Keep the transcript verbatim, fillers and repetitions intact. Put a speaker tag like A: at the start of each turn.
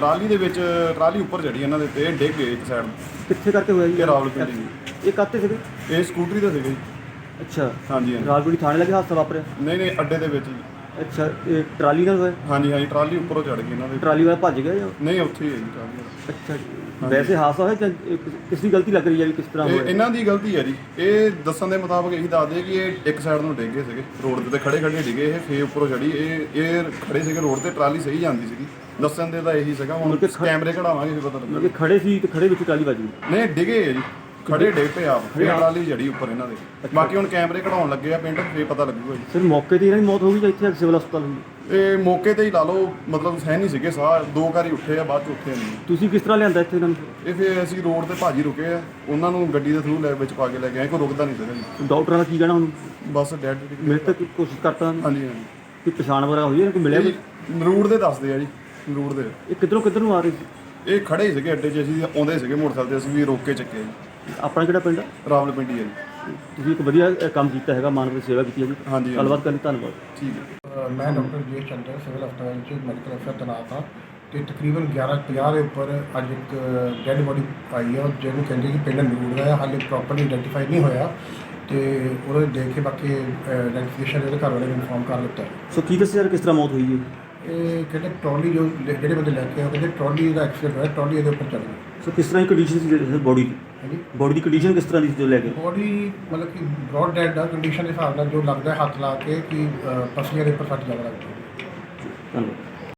A: Trolley ਦੇ ਵਿੱਚ trolley ਉੱਪਰ ਚੜੀ ਇਹਨਾਂ ਦੇ ਤੇ ਡਿੱਗ ਗਏ ਇੱਕ ਸਾਈਡ
B: ਕਿੱਥੇ ਕਰਕੇ ਹੋਇਆ ਜੀ
A: ਇਹ ਰਾਵਲਪਿੰਡੀ ਜੀ।
B: ਇਹ ਕਾਹਤੇ ਸੀਗੇ?
A: ਇਹ ਸਕੂਟਰੀ ਤੇ ਸੀਗੇ ਜੀ।
B: ਅੱਛਾ,
A: ਹਾਂਜੀ ਹਾਂਜੀ
B: ਰਾਜਪੁਰੀ ਥਾਣੇ ਲੱਗੇ ਹਾਦਸਾ ਵਾਪਰਿਆ?
A: ਨਹੀਂ ਨਹੀਂ ਅੱਡੇ ਦੇ ਵਿੱਚ ਜੀ।
B: ਅੱਛਾ, ਇਹ ਟਰਾਲੀ ਨਾਲ ਹੋਇਆ?
A: ਹਾਂਜੀ ਹਾਂਜੀ ਟਰਾਲੀ ਉੱਪਰੋਂ ਚੜ ਗਈ ਇਹਨਾਂ ਦੇ।
B: ਟਰਾਲੀ ਵਾਲਾ ਭੱਜ ਗਿਆ ਜਾਂ?
A: ਨਹੀਂ ਉੱਥੇ ਹੀ ਹੈ ਜੀ ਟਰਾਲੀ ਵਾਲਾ।
B: ਅੱਛਾ ਜੀ। ਵੈਸੇ ਹਾਦਸਾ ਹੋਇਆ ਜਾਂ ਇਹ ਕਿਸ- ਕਿਸ ਦੀ ਗਲਤੀ ਲੱਗ ਰਹੀ ਹੈ ਵੀ ਕਿਸ ਤਰ੍ਹਾਂ
A: ਇਹ
B: ਹੋਇਆ?
A: ਇਹਨਾਂ ਦੀ ਗਲਤੀ ਹੈ ਜੀ। ਇਹ ਦੱਸਣ ਦੇ ਮੁਤਾਬਕ ਇਹੀ ਦੱਸਦੇ ਕਿ ਇਹ ਇੱਕ ਸਾਈਡ ਨੂੰ ਡਿੱਗ ਗਏ ਸੀਗੇ, ਰੋਡ ਦੇ ਤੇ ਖੜੇ ਖੜੇ ਡਿੱਗੇ ਇਹ, ਫੇਰ ਉੱਪਰੋਂ ਚੜੀ। ਇਹ ਇਹ ਖੜੇ ਸੀਗੇ ਰੋਡ ਤੇ, ਟਰਾਲੀ ਸਹੀ ਜਾਂਦੀ ਸੀਗੀ। ਦੱਸਣ ਦੇ ਤਾਂ ਇਹੀ ਸੀਗਾ, ਹੁਣ
B: ਮਤਲਬ ਕਿ ਖ-
A: ਕੈਮਰੇ ਕਢਾਵਾਂਗੇ ਫਿਰ ਪਤਾ
B: ਮਤਲਬ
A: ਲੱਗੇਗਾ।
B: ਕਿ ਖੜੇ ਸੀ ਤੇ ਖੜੇ ਵਿੱਚ ਟਰਾਲੀ ਵੱਜ ਗਈ?
A: ਨਹੀਂ ਡਿੱਗੇ ਹੈ ਜੀ, ਖੜੇ ਡਿੱਗ ਪਏ ਆਪ, ਫੇਰ ਟਰਾਲੀ ਜੜੀ ਉੱਪਰ ਇਹਨਾਂ ਦੇ। ਬਾਕੀ ਹੁਣ ਕੈਮਰੇ ਕਢਾਉਣ ਲੱਗੇ ਆ ਪਿੰਡ, ਫੇਰ ਪਤਾ ਲੱਗੂਗਾ ਜੀ।
B: ਸਰ ਮੌਕੇ ਤੇ ਇਹਨਾਂ ਦੀ ਮੌਤ ਹੋ ਗਈ ਜਾਂ ਇੱਥੇ ਸਿਵਲ ਹਸਪਤਾਲ ਹੋਈ?
A: ਇਹ ਮੌਕੇ ਤੇ ਹੀ ਲਾ ਲਓ, ਮਤਲਬ ਸਹਿ ਨਹੀਂ ਸੀਗੇ ਸਾਹ, ਦੋ ਵਾਰੀ ਉੱਠੇ ਆ ਬਾਅਦ ਚ ਉੱਠੇ ਨਹੀਂ।
B: ਤੁਸੀਂ ਕਿਸ ਤਰ੍ਹਾਂ ਲਿਆਂਦਾ ਇੱਥੇ ਇਹਨਾਂ ਨੂੰ?
A: ਇਹ ਫਿਰ ਅਸੀਂ ਰੋਡ ਤੇ ਭਾਜੀ ਰੁਕੇ ਆ, ਉਹਨਾਂ ਨੂੰ ਗੱਡੀ ਦੇ ਥਰੂ ਲੈ ਵਿੱਚ ਪਾ ਕੇ ਲੈ ਕੇ ਆਏ, ਕੋਈ ਰੁਕਦਾ ਨਹੀਂ ਸੀਗਾ ਜੀ।
B: ਡਾਕਟਰਾਂ ਦਾ ਕੀ ਕਹਿਣਾ ਹੁਣ?
A: ਬਸ ਡੈਡ।
B: ਮੇਰੇ ਤੱਕ ਕੋਸ਼ਿਸ਼ ਕਰਤਾ
A: ਹਾਂਜੀ ਹਾਂਜੀ
B: ਕਿ ਪਛਾਣ ਵਗੈਰਾ ਹੋਈ ਹੈ ਕਿ ਮਿਲਿਆ ਕੋਈ?
A: ਰੂਟ ਦੇ ਦੱਸਦੇ ਆ ਜੀ, ਰੂਟ ਦੇ।
B: ਇਹ ਕਿੱਧਰੋਂ ਕਿੱਧਰ ਨੂੰ ਆ ਰਹੀ ਸੀ?
A: ਇਹ ਖੜੇ ਸੀਗੇ ਅੱਡੇ 'ਚ, ਅਸੀਂ ਆਉਂਦੇ ਸੀਗੇ ਮੋਟਰਸਾਈਕਲ ਤੇ, ਅਸੀਂ ਵੀ ਰੋਕ ਕੇ ਚੱਕੇ ਜੀ।
B: ਆਪਣਾ ਕਿਹੜਾ ਪਿੰਡ ਆ?
A: ਰਾਵਲਪਿੰਡੀ ਹੈ ਜੀ।
B: ਤੁਸੀਂ ਇੱਕ ਵਧੀਆ ਅ, ਕੰਮ ਕੀਤਾ ਹੈਗਾ, ਮਾਨਵ ਸੇਵਾ ਕੀਤੀ ਹੈ ਜੀ।
A: ਹਾਂਜੀ
B: ਗੱਲਬਾਤ ਕਰਨ ਲਈ ਧੰਨਵਾਦ।
A: ਠੀਕ ਹੈ।
C: ਅ, ਮੈਂ ਡਾਕਟਰ ਜੀ ਚੰਦਰ ਸਿਵਲ ਹਸਪਤਾਲ 'ਚ ਮੈਡੀਕਲ ਅਫਸਰ ਤੈਨਾਤ ਹਾਂ ਅਤੇ ਤਕਰੀਬਨ ਗਿਆਰਾਂ ਪੰਜਾਹ ਦੇ ਉੱਪਰ ਅੱਜ ਇੱਕ ਡੈੱਡ ਬੋਡੀ ਆਈ ਹੈ, ਜਿਹਨੂੰ ਕਹਿੰਦੇ ਕਿ ਪਿੰਡ ਨੂਰ ਦਾ ਹੈ, ਹਾਲੇ ਪ੍ਰੋਪਰਲੀ ਆਈਡੈਂਟੀਫਾਈ ਨਹੀਂ ਹੋਇਆ ਅਤੇ ਉਹਦੇ ਦੇਖ ਕੇ ਬਾਕੀ ਆਈਡੈਂਟੀਫਿਕੇਸ਼ਨ ਇਹਦੇ ਘਰ ਵਾਲੇ ਨੂੰ ਇਨਫੋਰਮ ਕਰ ਦਿੱਤਾ ਹੈ।
B: ਸੋ ਕੀ ਦੱਸਿਆ ਯਾਰ ਕਿਸ ਤਰ੍ਹਾਂ ਮੌਤ ਹੋਈ ਹੈ?
C: ਇਹ ਕਹਿੰਦੇ ਟਰਾਲੀ ਜੋ ਲੈ- ਜਿਹੜੇ ਬੰਦੇ ਲੈ ਕੇ ਆਏ, ਉਹ ਕਹਿੰਦੇ ਟਰਾਲੀ ਦਾ ਐਕਸੀਡੈਂਟ ਹੋਇਆ, ਟਰਾਲੀ ਇਹਦੇ ਉੱਪਰ ਚੜ੍ਹ ਗਈ।
B: ਸੋ ਕਿਸ ਤਰ੍ਹਾਂ ਦੀ ਕੰਡੀਸ਼ਨ ਸੀ ਬੋਡੀ ਦੀ?
C: ਹਾਂਜੀ,
B: ਬੋਡੀ ਦੀ ਕੰਡੀਸ਼ਨ ਕਿਸ ਤਰ੍ਹਾਂ ਦੀ ਸੀ ਜੋ ਲੈ ਕੇ?
C: ਬੋਡੀ ਮਤਲਬ ਕਿ ਬ੍ਰੌਡ ਡੈਡ ਦਾ ਕੰਡੀਸ਼ਨ ਦੇ ਹਿਸਾਬ ਨਾਲ ਜੋ ਲੱਗਦਾ ਹੈ ਹੱਥ ਲਾ ਕੇ ਕਿ ਅ, ਪਸਲੀਆਂ ਦੇ ਉੱਪਰ ਸੱਟ ਜ਼ਿਆਦਾ ਲੱਗ ਗਈ।
B: ਧੰਨਵਾਦ।